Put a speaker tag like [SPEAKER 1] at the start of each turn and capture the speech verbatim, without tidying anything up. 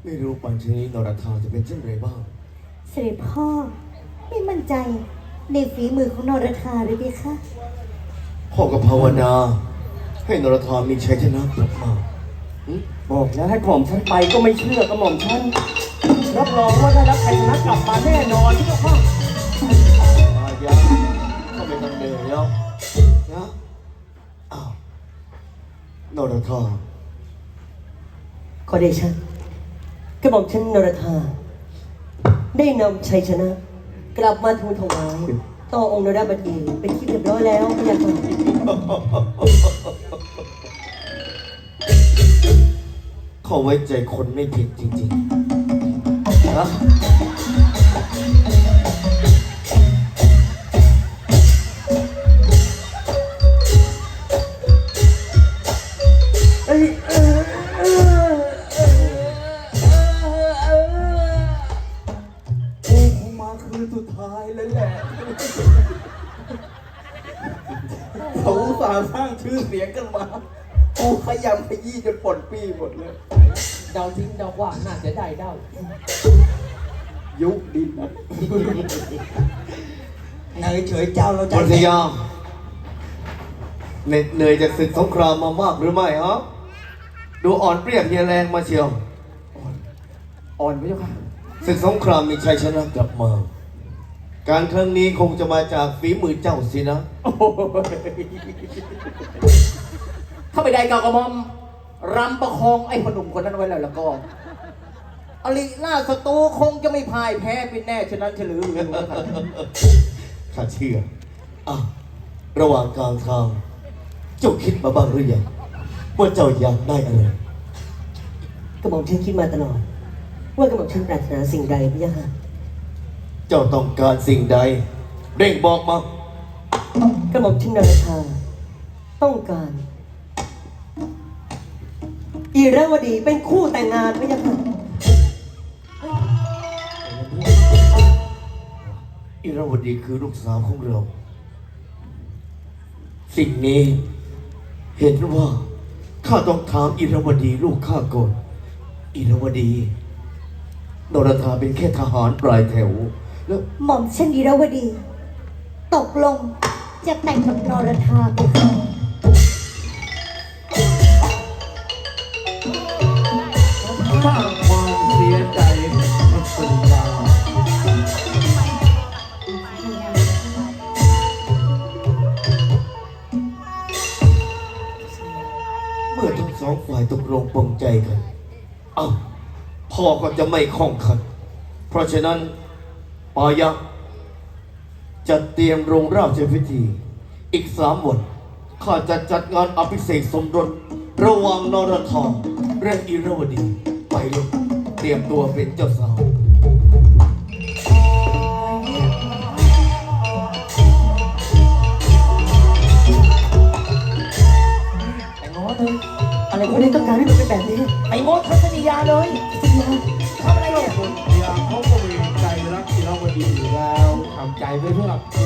[SPEAKER 1] ไม่รู้ปัญชนีนรธาจะเป็นเช่นไรบ้าง
[SPEAKER 2] เสด็จพ่อไม่มั่นใจในฝีมือของนรธาเลยพี่คะ
[SPEAKER 1] พ่อก็ภาวนาให้นรธามีชัยชนะกลับมา
[SPEAKER 3] บอกแล้วให้กระหม่อมฉันไปก็ไม่เชื่อกระหม่อมฉันรับรองว่าได้รับชัยชนะกลับมาแน่นอนที่เจ้าพ่อ
[SPEAKER 1] มายาก็ไม่ต้องเดินแล้วนะอ้าวนรธา
[SPEAKER 3] ขอเดชะกระหม่อมฉันนรธาได้นำชัยชนะกลับมาทูลถวายต่อองค์นรบดีเป็นที่เรียบร้อยแล้วพระยาค่ะ
[SPEAKER 1] เขาไว้ใจคนไม่ผิดจริงๆนะ
[SPEAKER 3] เอ้ยเออเออเออโอ้คงมาคืนสุดท้ายแล้วแหละเขาอุตส่าห์สร้างชื่อเสียงกันมาโอ้ขยำขยี้จนปนปี้หมดเลย
[SPEAKER 4] เดาทิ้งเดาว่าน่าจะได้เดา
[SPEAKER 3] ยุบดินนะเนยเฉยเจ้าเราใจ
[SPEAKER 1] พยายามเหน็ดเหนื่อยจากศึกสงครามมามากหรือไม่ฮะดูอ่อนเปรียบเฮียแรงมาเชียว
[SPEAKER 3] อ่อนไหมเจ้าค่ะ
[SPEAKER 1] ศึกสงครามมีชัยชนะกลับมาการครั้งนี้คงจะมาจากฝีมือเจ้าสินะ
[SPEAKER 4] ถ้าไม่ได้กากระมอมรำประคองไอ้พนุ่มคนนั้นไว้แล้วแล้วก็อลิล่าศัตรูคงจะไม่พ่ายแพ้เป็นแน่ฉะนั้นเฉลือเลย
[SPEAKER 1] ข้าเชื่ออ่ะระหว่างกลางทางเจ้าคิดมาบ้างหรือยังว่าเจ้าอยากได้อะไร
[SPEAKER 3] กระหม่อมฉันคิดมาตลอดว่ากระหม่อมฉันปรารถนาสิ่งใดพี่ยะค่ะ
[SPEAKER 1] เจ้าต้องการสิ่งใดเร่งบอกมาก
[SPEAKER 3] ระหม่อมฉันนรธาต้องการอีราวดีเป็นคู่แต่งงานพี่ยะค่ะ
[SPEAKER 1] อิราวดีคือลูกสาวของเราสิ่งนี้เห็นว่าข้าต้องถามอิราวดีลูกข้าก่อนอิราวดีนรธาเป็นแค่ทหารปลายแถวแล้ว
[SPEAKER 2] หม่อมเช่นอิราวดีตกลงจะแต่งกับนรธาไปค่ะ
[SPEAKER 4] สร้างความเสียใจให้สุดยา
[SPEAKER 1] เมื่อทั้งสองฝ่ายตกลงปลงใจกันเอ้าพ่อก็จะไม่ข้องขัดเพราะฉะนั้นปายักจะเตรียมโรงราชพิธีอีกสามวันข้าจะจัดงานอภิเษกสมรสระหว่างนรธาและอิราวดีไปลูกเตรียมตัวเป็นเจ้าสาว
[SPEAKER 4] ไอ้ง้อเลย
[SPEAKER 3] อะไรพวกนี้ต้องการให้มันเป็นแบบนี้
[SPEAKER 4] ไอ้ง้อทัศนียาเลยทำอะไรเนี่ย
[SPEAKER 5] คนเดียวเขาก็มีใจรักศิลปดีอยู่แล้วทำใจไว้เพื่อ